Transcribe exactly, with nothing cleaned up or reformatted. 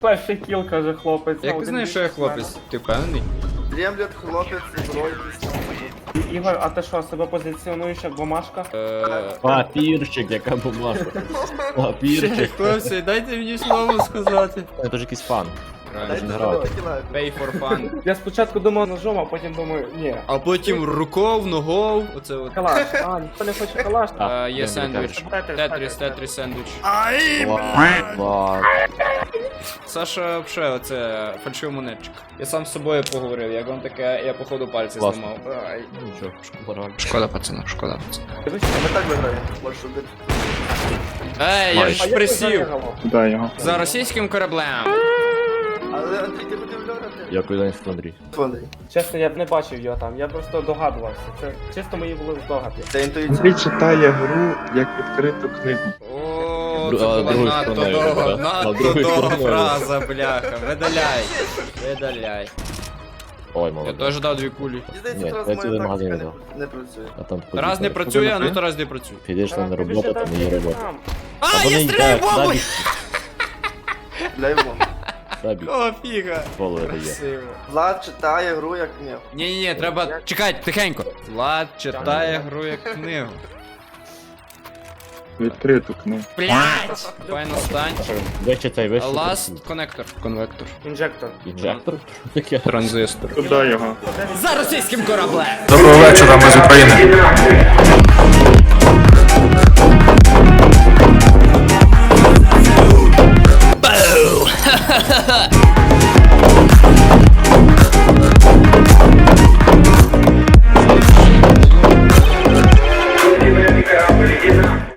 Перший кіл, каже хлопець. Як ти знаєш, що я хлопець? Ти впевнений? Дремлет, хлопець, збройний. Ігор, а ти що, себе позиціонуєш як бумажка? Е, Папірчик, яка бумажка. Ще, Папірчик. хлопці, дайте мені слово сказати. Це ж якийсь фан. Дайте не зброю, грати. кидаю. Pay for fun. Я спочатку думав ножом, а потім думаю, ні. А потім руков, ногов, оце от. Калаш, а, ніхто не хоче калаш. А, Е, Є не, сендвіч. Тетріс, Тетріс, Тетріс, тетріс сендвіч. Клас. Саша, вообще, оце фальшивий монетчик. Я сам з собою поговорив, як вам таке, я походу пальці Клас. зламав. Ай. Нічого, шкода. Шкода, пацана, шкода, пацана. Дивись, А ми так виграємо. Можеш убити. Ей, я а ж як ти присів! зарегало? Куда його? За російським кораблем. Але Андрій, ти будеш льорати? Дякую, День Андрій. Андрій. Чесно, я б не бачив його там, я просто догадувався. Це чисто мої були здогади. Це інтуїція. Андрій читає гру як відкриту книгу. О, Дру- це а, була другою надто стороною, довга, да. А, надто другою довга стороною. фраза, бляха. Видаляй. Видаляй. Ой, Я молодець. теж дав дві кулі. Мені здається, Ні, зараз я моя цілий магазин тактика взяв. не- не працює. А там Раз не працює, а ну то раз не працює. Підеш там на роботу, там не є робота. А, вони я стріляю йдуть, бомбою! Для його. Сабі, О, фіга. фоловери є. Красиво. Влад читає гру як книгу. Ні-ні-ні, треба... Чекай, тихенько. Влад читає гру як книгу. Відкриту книгу. Блять! Файно стань. Вище цей, вище. Last коннектор. Конвектор. Інжектор. Інжектор? Що таке? Транзистор. Куда його? За російським кораблем! Доброго вечора, ми з України.